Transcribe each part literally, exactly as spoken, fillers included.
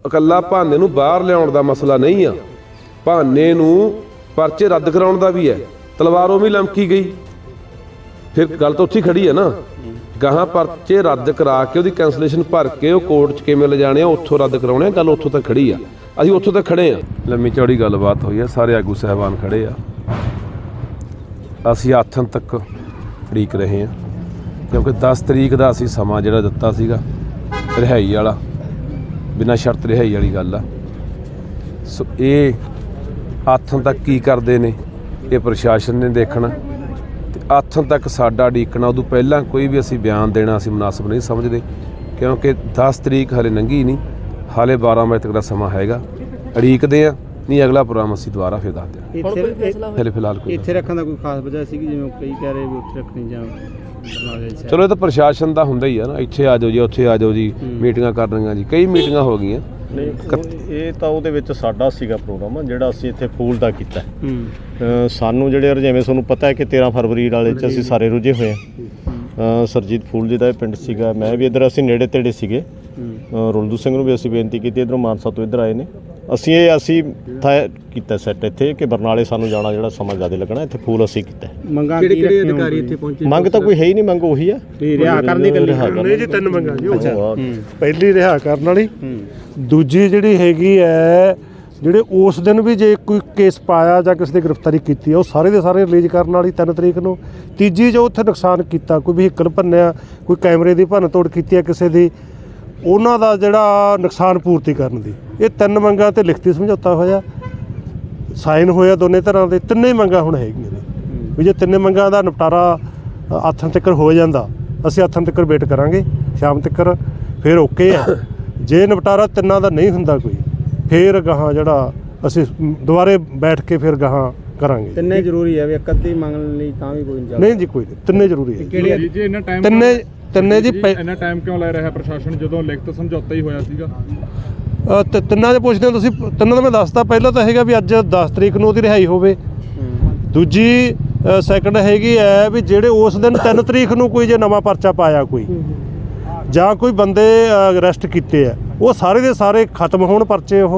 ਇਕੱਲਾ ਭਾਨੇ ਨੂੰ ਬਾਹਰ ਲਿਆਉਣ ਦਾ ਮਸਲਾ ਨਹੀਂ ਆ, ਭਾਨੇ ਨੂੰ ਪਰਚੇ ਰੱਦ ਕਰਾਉਣ ਦਾ ਵੀ ਹੈ। ਤਲਵਾਰ ਉਹ ਵੀ ਲਮਕੀ ਗਈ, ਫਿਰ ਗੱਲ ਤਾਂ ਉੱਥੇ ਖੜੀ ਹੈ ਨਾ। ਗਾਹਾਂ ਪਰਚੇ ਰੱਦ ਕਰਾ ਕੇ ਉਹਦੀ ਕੈਂਸਲੇਸ਼ਨ ਭਰ ਕੇ ਉਹ ਕੋਰਟ 'ਚ ਕਿਵੇਂ ਲਿਜਾਣੇ ਆ, ਉੱਥੋਂ ਰੱਦ ਕਰਾਉਣੇ ਆ। ਗੱਲ ਉੱਥੋਂ ਤੱਕ ਖੜੀ ਆ, ਅਸੀਂ ਉੱਥੋਂ ਤੱਕ ਖੜੇ ਆ। ਲੰਮੀ ਚੌੜੀ ਗੱਲਬਾਤ ਹੋਈ ਆ, ਸਾਰੇ ਆਗੂ ਸਾਹਿਬਾਨ ਖੜੇ ਆ, ਅਸੀਂ ਆਥਣ ਤੱਕ ਉਡੀਕ ਰਹੇ ਹਾਂ, ਕਿਉਂਕਿ ਦਸ ਤਰੀਕ ਦਾ ਅਸੀਂ ਸਮਾਂ ਜਿਹੜਾ ਦਿੱਤਾ ਸੀਗਾ ਰਿਹਾਈ ਵਾਲਾ, ਬਿਨਾਂ ਸ਼ਰਤ ਰਿਹਾਈ ਵਾਲੀ ਗੱਲ ਆ। ਸੋ ਇਹ ਆਥਣ ਤੱਕ ਕੀ ਕਰਦੇ ਨੇ ਇਹ ਪ੍ਰਸ਼ਾਸਨ ਨੇ ਦੇਖਣਾ, ਤੇ ਆਥਣ ਤੱਕ ਸਾਡਾ ਉਡੀਕਣਾ। ਉਦੋਂ ਪਹਿਲਾਂ ਕੋਈ ਵੀ ਅਸੀਂ ਬਿਆਨ ਦੇਣਾ ਅਸੀਂ ਮੁਨਾਸਬ ਨਹੀਂ ਸਮਝਦੇ, ਕਿਉਂਕਿ ਦਸ ਤਰੀਕ ਹਾਲੇ ਲੰਘੀ ਨਹੀਂ, ਹਾਲੇ ਬਾਰਾਂ ਵਜੇ ਤੱਕ ਦਾ ਸਮਾਂ ਹੈਗਾ। ਉਡੀਕਦੇ ਆ, ਨਹੀਂ ਅਗਲਾ ਪ੍ਰੋਗਰਾਮ ਅਸੀਂ ਦੁਬਾਰਾ ਫਿਰ ਦੱਸ ਦਿਆਂਗੇ। ਹਾਲੇ ਫਿਲਹਾਲ ਕੋਈ ਇੱਥੇ ਰੱਖਣ ਦਾ ਕੋਈ ਖਾਸ ਵਜ੍ਹਾ ਸੀ ਕਿ ਜਿਵੇਂ ਕਈ ਕਹਿ ਰਹੇ ਵੀ ਉੱਥੇ ਰੱਖਣੀ ਜਾਂ ਚਲੋ ਇਹ ਤਾਂ ਪ੍ਰਸ਼ਾਸਨ ਦਾ ਹੁੰਦਾ ਹੀ ਆ ਨਾ, ਇੱਥੇ ਆ ਜਾਓ ਜੀ, ਉੱਥੇ ਆ ਜਾਓ ਜੀ, ਮੀਟਿੰਗਾਂ ਕਰਨੀਆਂ ਜੀ, ਕਈ ਮੀਟਿੰਗਾਂ ਹੋ ਗਈਆਂ। ਨਹੀਂ ਇਹ ਤਾਂ ਉਹਦੇ ਵਿੱਚ ਸਾਡਾ ਸੀਗਾ ਪ੍ਰੋਗਰਾਮ ਜਿਹੜਾ ਅਸੀਂ ਇੱਥੇ ਫੂਲ ਦਾ ਕੀਤਾ। ਸਾਨੂੰ ਜਿਹੜੇ ਜਿਵੇਂ ਤੁਹਾਨੂੰ ਪਤਾ ਹੈ ਕਿ ਤੇਰ੍ਹਾਂ ਫਰਵਰੀ ਵਾਲੇ 'ਚ ਅਸੀਂ ਸਾਰੇ ਰੁੱਝੇ ਹੋਏ ਹਾਂ। ਸਰਜੀਤ ਫੂਲ ਜੀ ਦਾ ਇਹ ਪਿੰਡ ਸੀਗਾ, ਮੈਂ ਵੀ ਇੱਧਰ, ਅਸੀਂ ਨੇੜੇ ਤੇੜੇ ਸੀਗੇ। ਰੁਲਦੂ ਸਿੰਘ ਨੂੰ ਵੀ ਅਸੀਂ ਬੇਨਤੀ ਕੀਤੀ, ਇੱਧਰੋਂ ਮਾਨਸਾ ਤੋਂ ਇੱਧਰ ਆਏ ਨੇ। ਅਸੀਂ ਇਹ ਅਸੀਂ ਤੈਅ ਕੀਤਾ ਸੈੱਟ ਇੱਥੇ ਕਿ ਬਰਨਾਲੇ ਸਾਨੂੰ ਜਾਣਾ ਜਿਹੜਾ ਸਮਾਂ ਜ਼ਿਆਦਾ ਲੱਗਣਾ, ਇੱਥੇ ਫੂਲ ਅਸੀਂ ਕੀਤਾ। ਮੰਗਾਂ ਕਿਹੜੇ ਕਿਹੜੇ ਅਧਿਕਾਰੀ ਇੱਥੇ ਪਹੁੰਚੇ? ਮੰਗ ਤਾਂ ਕੋਈ ਹੈ ਹੀ ਨਹੀਂ, ਮੰਗ ਉਹੀ ਆ ਰਿਹਾ ਕਰਨ ਦੀ ਗੱਲ ਨਹੀਂ ਜੀ। ਤਿੰਨ ਮੰਗਾਂ ਜੀ, ਪਹਿਲੀ ਰਿਹਾ ਕਰਨ ਵਾਲੀ, ਦੂਜੀ ਜਿਹੜੀ ਹੈਗੀ ਹੈ ਜਿਹੜੇ ਉਸ ਦਿਨ ਵੀ ਜੇ ਕੋਈ ਕੇਸ ਪਾਇਆ ਜਾਂ ਕਿਸੇ ਦੀ ਗ੍ਰਿਫਤਾਰੀ ਕੀਤੀ ਹੈ ਉਹ ਸਾਰੇ ਦੇ ਸਾਰੇ ਰਿਲੀਜ਼ ਕਰਨ ਵਾਲੀ ਤਿੰਨ ਤਰੀਕ ਨੂੰ। ਤੀਜੀ ਜੋ ਉੱਥੇ ਨੁਕਸਾਨ ਕੀਤਾ, ਕੋਈ ਵਹੀਕਲ ਭੰਨਿਆ, ਕੋਈ ਕੈਮਰੇ ਦੀ ਭੰਨ ਤੋੜ ਕੀਤੀ ਹੈ ਕਿਸੇ ਦੀ, ਉਹਨਾਂ ਦਾ ਜਿਹੜਾ ਨੁਕਸਾਨ ਪੂਰਤੀ ਕਰਨ ਦੀ। ਇਹ ਤਿੰਨ ਮੰਗਾਂ 'ਤੇ ਲਿਖਤੀ ਸਮਝੌਤਾ ਹੋਇਆ, ਸਾਈਨ ਹੋਇਆ ਦੋਨੇ ਤਰ੍ਹਾਂ ਦੇ। ਤਿੰਨੇ ਮੰਗਾਂ ਹੁਣ ਹੈਗੀਆਂ ਨੇ ਵੀ ਜੇ ਤਿੰਨੇ ਮੰਗਾਂ ਦਾ ਨਿਪਟਾਰਾ ਆਥਣ ਤੱਕ ਹੋ ਜਾਂਦਾ, ਅਸੀਂ ਆਥਣ ਤੱਕ ਵੇਟ ਕਰਾਂਗੇ ਸ਼ਾਮ ਤੱਕ, ਫਿਰ ਓਕੇ ਆ। ਜੇ ਨਿਪਟਾਰਾ ਤਿੰਨਾਂ ਦਾ ਨਹੀਂ ਹੁੰਦਾ ਕੋਈ, ਫਿਰ ਗਾਹਾਂ ਜਿਹੜਾ ਅਸੀਂ ਦੁਬਾਰੇ ਬੈਠ ਕੇ ਫਿਰ ਗਾਹਾਂ ਕਰਾਂਗੇ। ਤਿੰਨੇ ਜ਼ਰੂਰੀ ਹੈ ਵੀ ਇੱਕ ਅੱਧੀ ਮੰਗਣ ਲਈ ਤਾਂ ਵੀ ਕੋਈ ਨਹੀਂ। ਨਹੀਂ ਜੀ, ਕੋਈ ਨਹੀਂ, ਤਿੰਨੇ ਜ਼ਰੂਰੀ ਹੈ। ਕਿਹੜੇ ਜੀ ਇਹਨਾਂ ਟਾਈਮ ਤਿੰਨੇ ਤਿੰਨੇ ਜੀ ਇੰਨਾ ਟਾਈਮ ਕਿਉਂ ਲੈ ਰਿਹਾ ਪ੍ਰਸ਼ਾਸਨ, ਜਦੋਂ ਲਿਖਤ ਸਮਝੌਤਾ ਹੀ ਹੋਇਆ ਸੀਗਾ? ਤੇ ਤਿੰਨਾਂ ਦੇ ਪੁੱਛਦੇ ਹੋ ਤੁਸੀਂ? ਤਿੰਨਾਂ ਦਾ ਮੈਂ ਦੱਸਦਾ। ਪਹਿਲਾਂ ਤਾਂ ਹੈਗਾ ਵੀ ਅੱਜ ਦਸ ਤਰੀਕ ਨੂੰ ਉਹਦੀ ਰਿਹਾਈ ਹੋਵੇ। ਦੂਜੀ ਸੈਕਿੰਡ ਹੈਗੀ ਹੈ ਵੀ ਜਿਹੜੇ ਉਸ ਦਿਨ ਤਿੰਨ ਤਰੀਕ ਨੂੰ ਕੋਈ ਜੇ ਨਵਾਂ ਪਰਚਾ ਪਾਇਆ ਕੋਈ ਜਾਂ ਕੋਈ ਬੰਦੇ ਅਰੈਸਟ ਕੀਤੇ ਆ, ਉਹ ਸਾਰੇ ਦੇ ਸਾਰੇ ਖਤਮ ਹੋਣ ਪਰਚੇ ਉਹ।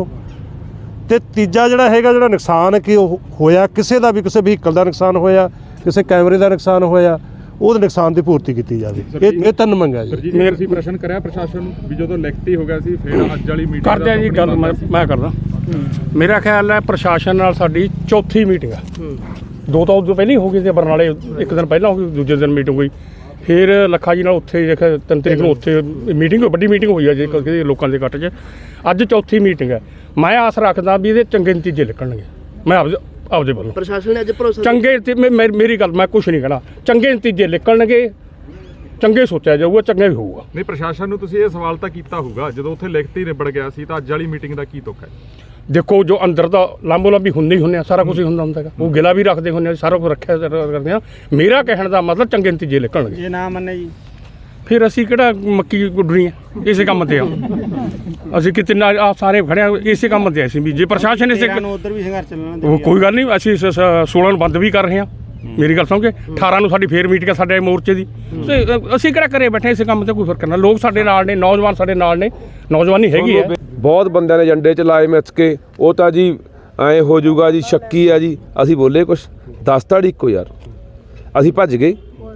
ਤੇ ਤੀਜਾ ਜਿਹੜਾ ਹੈਗਾ ਜਿਹੜਾ ਨੁਕਸਾਨ ਕਿ ਉਹ ਹੋਇਆ ਕਿਸੇ ਦਾ ਵੀ, ਕਿਸੇ ਵਹੀਕਲ ਦਾ ਨੁਕਸਾਨ ਹੋਇਆ, ਕਿਸੇ ਕੈਮਰੇ ਦਾ ਨੁਕਸਾਨ ਹੋਇਆ, ਉਹਦੇ ਨੁਕਸਾਨ ਦੀ ਪੂਰਤੀ ਕੀਤੀ ਜਾਵੇ। ਇਹ ਇਹ ਤਿੰਨ ਮੰਗਾਂ ਜੀ। ਮੇਰੇ ਅਸੀਂ ਪ੍ਰਸ਼ਨ ਕਰਿਆ ਪ੍ਰਸ਼ਾਸਨ ਨੂੰ ਵੀ ਜਦੋਂ ਲਿਖਤੀ ਹੋ ਗਿਆ ਸੀ ਫਿਰ ਅੱਜ ਵਾਲੀ ਮੀਟਿੰਗ ਕਰਦੇ ਆ ਜੀ ਗੱਲ। ਮੈਂ ਮੈਂ ਕਰਦਾ, ਮੇਰਾ ਖਿਆਲ ਹੈ ਪ੍ਰਸ਼ਾਸਨ ਨਾਲ ਸਾਡੀ ਚੌਥੀ ਮੀਟਿੰਗ ਆ। ਦੋ ਤਾਂ ਉਦੋਂ ਪਹਿਲਾਂ ਹੀ ਹੋ ਗਈ ਸੀ, ਬਰਨਾਲੇ ਇੱਕ ਦਿਨ ਪਹਿਲਾਂ ਹੋ ਗਈ, ਦੂਜੇ ਦਿਨ ਮੀਟਿੰਗ ਹੋਈ। ਫਿਰ ਲੱਖਾ ਜੀ ਨਾਲ ਉੱਥੇ ਦੇਖਿਆ ਤਿੰਨ ਤਰੀਕ ਨੂੰ ਉੱਥੇ ਮੀਟਿੰਗ, ਵੱਡੀ ਮੀਟਿੰਗ ਹੋਈ ਆ ਜੀ ਕਿਸੇ ਲੋਕਾਂ ਦੇ ਇਕੱਠ 'ਚ। ਅੱਜ ਚੌਥੀ ਮੀਟਿੰਗ ਹੈ। ਮੈਂ ਆਸ ਰੱਖਦਾ ਵੀ ਇਹਦੇ ਚੰਗੇ ਨਤੀਜੇ ਨਿਕਲਣਗੇ। ਮੈਂ ਆਪਦੇ ਆਪਦੇ ਵੱਲੋਂ ਪ੍ਰਸ਼ਾਸਨ ਨੇ ਅੱਜ ਭਰੋਸਾ ਚੰਗੇ, ਮੇਰੀ ਗੱਲ, ਮੈਂ ਕੁਛ ਨਹੀਂ ਕਹਿਣਾ, ਚੰਗੇ ਨਤੀਜੇ ਨਿਕਲਣਗੇ, ਚੰਗੇ ਸੋਚਿਆ ਜਾਊਗਾ, ਚੰਗਾ ਵੀ ਹੋਊਗਾ। ਨਹੀਂ ਪ੍ਰਸ਼ਾਸਨ ਨੂੰ ਤੁਸੀਂ ਇਹ ਸਵਾਲ ਤਾਂ ਕੀਤਾ ਹੋਊਗਾ ਜਦੋਂ ਉੱਥੇ ਲਿਖਤੀ ਨਿਬੜ ਗਿਆ ਸੀ, ਤਾਂ ਅੱਜ ਵਾਲੀ ਮੀਟਿੰਗ ਦਾ ਕੀ ਤੁੱਕ ਹੈ? ਦੇਖੋ ਜੋ ਅੰਦਰ ਦਾ ਲਾਂਬੋ ਲਾਂਬੀ ਹੁੰਦੇ ਹੀ ਹੁੰਦੇ ਆ, ਸਾਰਾ ਕੁਝ ਹੀ ਹੁੰਦਾ ਹੁੰਦਾ ਹੈਗਾ, ਉਹ ਗਿਲਾ ਵੀ ਰੱਖਦੇ ਹੁੰਦੇ ਆ, ਸਾਰਾ ਕੁਝ ਰੱਖਿਆ ਕਰਦੇ ਆ। ਮੇਰਾ ਕਹਿਣ ਦਾ ਮਤਲਬ ਚੰਗੇ ਨਤੀਜੇ ਨਿਕਲਣਗੇ। ਜੇ ਨਾ ਮੰਨੇ ਜੀ ਫਿਰ ਅਸੀਂ ਕਿਹੜਾ ਮੱਕੀ ਗੁੱਡਣੀ ਆ, ਇਸੇ ਕੰਮ ਤੇ ਆ ਅਸੀਂ। ਕਿਤੇ ਨਾ ਆ ਸਾਰੇ ਖੜੇ ਆ ਇਸੇ ਕੰਮ ਤੇ। ਅਸੀਂ ਵੀ ਜੇ ਪ੍ਰਸ਼ਾਸਨ ਇਸੇ ਉਧਰ ਵੀ ਸੰਘਰਸ਼ ਚੱਲਣਾ, ਉਹ ਕੋਈ ਗੱਲ ਨਹੀਂ, ਅਸੀਂ ਸੋਲਾਂ ਨੂੰ ਬੰਦ ਵੀ ਕਰ ਰਹੇ ਹਾਂ। ਮੇਰੀ ਗੱਲ ਸੁਣ ਕੇ ਅਠਾਰਾਂ ਨੂੰ ਸਾਡੀ ਫੇਰ ਮੀਟਿੰਗ ਸਾਡੇ ਮੋਰਚੇ ਦੀ। ਅਸੀਂ ਕਿਹੜਾ ਘਰੇ ਬੈਠੇ ਇਸੇ ਕੰਮ ਤੇ, ਕੋਈ ਫਰਕ ਨਾ। ਲੋਕ ਸਾਡੇ ਨਾਲ ਨੇ, ਨੌਜਵਾਨ ਸਾਡੇ ਨਾਲ ਨੇ, ਨੌਜਵਾਨੀ ਹੈਗੀ ਹੈ। ਬਹੁਤ ਬੰਦਿਆਂ ਨੇ ਏਜੰਡੇ 'ਚ ਲਾਏ ਮਿੱਥ ਕੇ, ਉਹ ਤਾਂ ਜੀ ਐਂ ਹੋ ਜਾਊਗਾ ਜੀ, ਸ਼ੱਕੀ ਆ ਜੀ। ਅਸੀਂ ਬੋਲੇ ਕੁਛ ਦਸ ਤਾੜੀ ਇੱਕੋ ਯਾਰ, ਅਸੀਂ ਭੱਜ ਗਏ।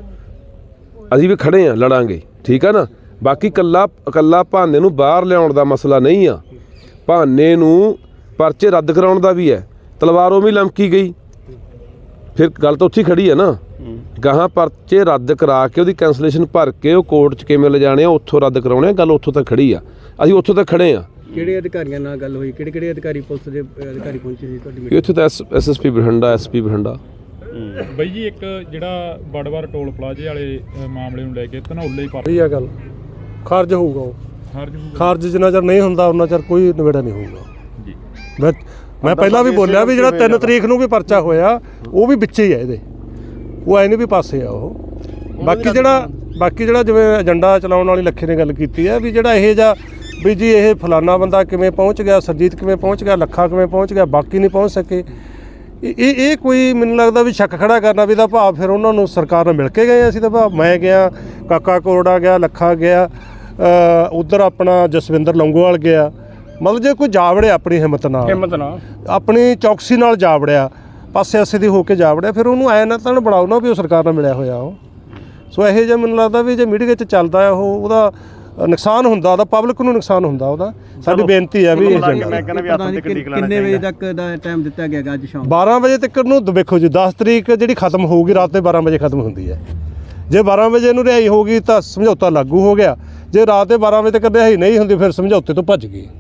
ਅਸੀਂ ਵੀ ਖੜੇ ਹਾਂ, ਲੜਾਂਗੇ, ਠੀਕ ਆ ਨਾ। ਬਾਕੀ ਇਕੱਲਾ ਇਕੱਲਾ ਭਾਨੇ ਨੂੰ ਬਾਹਰ ਲਿਆਉਣ ਦਾ ਮਸਲਾ ਨਹੀਂ ਆ, ਭਾਨੇ ਨੂੰ ਪਰਚੇ ਰੱਦ ਕਰਾਉਣ ਦਾ ਵੀ ਹੈ। ਤਲਵਾਰ ਉਹ ਵੀ ਲਮਕੀ ਗਈ, ਫਿਰ ਗੱਲ ਤਾਂ ਉੱਥੇ ਖੜੀ ਹੈ ਨਾ। ਗਾਹਾਂ ਪਰਚੇ ਰੱਦ ਕਰਾ ਕੇ ਉਹਦੀ ਕੈਂਸਲੇਸ਼ਨ ਭਰ ਕੇ ਉਹ ਕੋਰਟ 'ਚ ਕਿਵੇਂ ਲਿਜਾਣੇ ਆ, ਉੱਥੋਂ ਰੱਦ ਕਰਾਉਣੇ ਆ। ਗੱਲ ਉੱਥੋਂ ਤੱਕ ਖੜੀ ਆ, ਅਸੀਂ ਉੱਥੋਂ ਤੱਕ ਖੜੇ ਹਾਂ। ਕਿਹੜੇ ਅਧਿਕਾਰੀਆਂ ਨਾਲ ਗੱਲ ਹੋਈ? ਕਿਹੜੇ ਕਿਹੜੇ ਅਧਿਕਾਰੀ ਪੁਲਿਸ ਦੇ ਅਧਿਕਾਰੀ ਪਹੁੰਚੇ ਸੀ ਤੁਹਾਡੀ ਮੀਟਿੰਗ? ਇੱਥੇ ਤਾਂ S S S P Bathinda, S P Bathinda. ਬਈ ਜੀ ਇੱਕ ਜਿਹੜਾ ਬੜਵਾਰ ਟੋਲ ਪਲਾਜ਼ੇ ਵਾਲੇ ਮਾਮਲੇ ਨੂੰ ਲੈ ਕੇ ਧਨੌਲੇ ਪਰ ਇਹ ਗੱਲ ਖਾਰਜ ਹੋਊਗਾ, ਉਹ ਖਾਰਜ ਖਾਰਜ ਜਿੰਨਾ ਚਿਰ ਨਹੀਂ ਹੁੰਦਾ ਉਹਨਾਂ ਚਿਰ ਕੋਈ ਨਿਬੇੜਾ ਨਹੀਂ ਹੋਊਗਾ ਜੀ। ਮੈਂ ਮੈਂ ਪਹਿਲਾਂ ਵੀ ਬੋਲਿਆ ਵੀ ਜਿਹੜਾ ਤਿੰਨ ਤਰੀਕ ਨੂੰ ਵੀ ਪਰਚਾ ਹੋਇਆ ਉਹ ਵੀ ਵਿੱਚੇ ਹੀ ਹੈ ਇਹਦੇ, ਉਹ ਐ ਨਹੀਂ ਵੀ ਪਾਸੇ ਆ ਉਹ। ਬਾਕੀ ਜਿਹੜਾ ਬਾਕੀ ਜਿਹੜਾ ਜਿਵੇਂ ਏਜੰਡਾ ਚਲਾਉਣ ਵਾਲੀ ਲੱਖੇ ਨੇ ਗੱਲ ਕੀਤੀ ਹੈ ਵੀ ਜਿਹੜਾ ਇਹ ਜਾਂ ਵੀ ਜੀ ਇਹ ਫਲਾਨਾ ਬੰਦਾ ਕਿਵੇਂ ਪਹੁੰਚ ਗਿਆ, ਸਰਜੀਤ ਕਿਵੇਂ ਪਹੁੰਚ ਗਿਆ, ਲੱਖਾ ਕਿਵੇਂ ਪਹੁੰਚ ਗਿਆ, ਬਾਕੀ ਨਹੀਂ ਪਹੁੰਚ ਸਕੇ। ਇਹ ਇਹ ਕੋਈ ਮੈਨੂੰ ਲੱਗਦਾ ਵੀ ਸ਼ੱਕ ਖੜਾ ਕਰਨਾ ਵੀ ਦਾ ਭਾਵ ਫਿਰ ਉਹਨਾਂ ਨੂੰ ਸਰਕਾਰ ਨਾਲ ਮਿਲ ਕੇ ਗਏ ਅਸੀਂ ਤਾਂ ਭਾਵ ਮੈਂ ਗਿਆ, ਕਾਕਾ ਕੋਰੜਾ ਗਿਆ, ਲੱਖਾ ਗਿਆ, ਉੱਧਰ ਆਪਣਾ ਜਸਵਿੰਦਰ ਲੌਂਗੋਵਾਲ ਗਿਆ, ਮਤਲਬ ਜੇ ਕੋਈ ਜਾ ਵੜਿਆ ਆਪਣੀ ਹਿੰਮਤ ਨਾਲ ਹਿੰਮਤ ਨਾਲ ਆਪਣੀ ਚੌਕਸੀ ਨਾਲ ਜਾ ਵੜਿਆ, ਪਾਸੇ ਆਸੇ ਦੀ ਹੋ ਕੇ ਜਾ ਵੜਿਆ, ਫਿਰ ਉਹਨੂੰ ਐ ਨਾ ਤਾਂ ਬਣਾਓ ਨਾ ਵੀ ਉਹ ਸਰਕਾਰ ਨਾਲ ਮਿਲਿਆ ਹੋਇਆ ਉਹ। ਸੋ ਇਹੋ ਜਿਹਾ ਮੈਨੂੰ ਲੱਗਦਾ ਵੀ ਜੇ ਮੀਡੀਆ 'ਚ ਚੱਲਦਾ ਉਹ ਉਹਦਾ ਨੁਕਸਾਨ ਹੁੰਦਾ, ਉਹਦਾ ਪਬਲਿਕ ਨੂੰ ਨੁਕਸਾਨ ਹੁੰਦਾ ਉਹਦਾ। ਸਾਡੀ ਬੇਨਤੀ ਹੈ ਵੀ ਇਹ ਮੈਂ ਕਹਿੰਦਾ ਵੀ ਹੱਥ ਤੇ ਕਿੰਨੀ ਕਿੰਨੇ ਵਜੇ ਤੱਕ ਦਾ ਟਾਈਮ ਦਿੱਤਾ ਗਿਆ ਅੱਜ ਸ਼ਾਮ? ਬਾਰਾਂ ਵਜੇ ਤੱਕ ਨੂੰ ਦੇਖੋ ਜੀ, ਦਸ ਤਰੀਕ ਜਿਹੜੀ ਖਤਮ ਹੋਊਗੀ ਰਾਤ ਦੇ ਬਾਰਾਂ ਵਜੇ ਖਤਮ ਹੁੰਦੀ ਹੈ। ਜੇ ਬਾਰਾਂ ਵਜੇ ਨੂੰ ਰਿਹਾਈ ਹੋਊਗੀ ਤਾਂ ਸਮਝੌਤਾ ਲਾਗੂ ਹੋ ਗਿਆ, ਜੇ ਰਾਤ ਦੇ ਬਾਰਾਂ ਵਜੇ ਤੱਕ ਰਿਹਾਈ ਨਹੀਂ ਹੁੰਦੀ ਫਿਰ ਸਮਝੌਤੇ ਤੋਂ ਭੱਜ ਗਈ।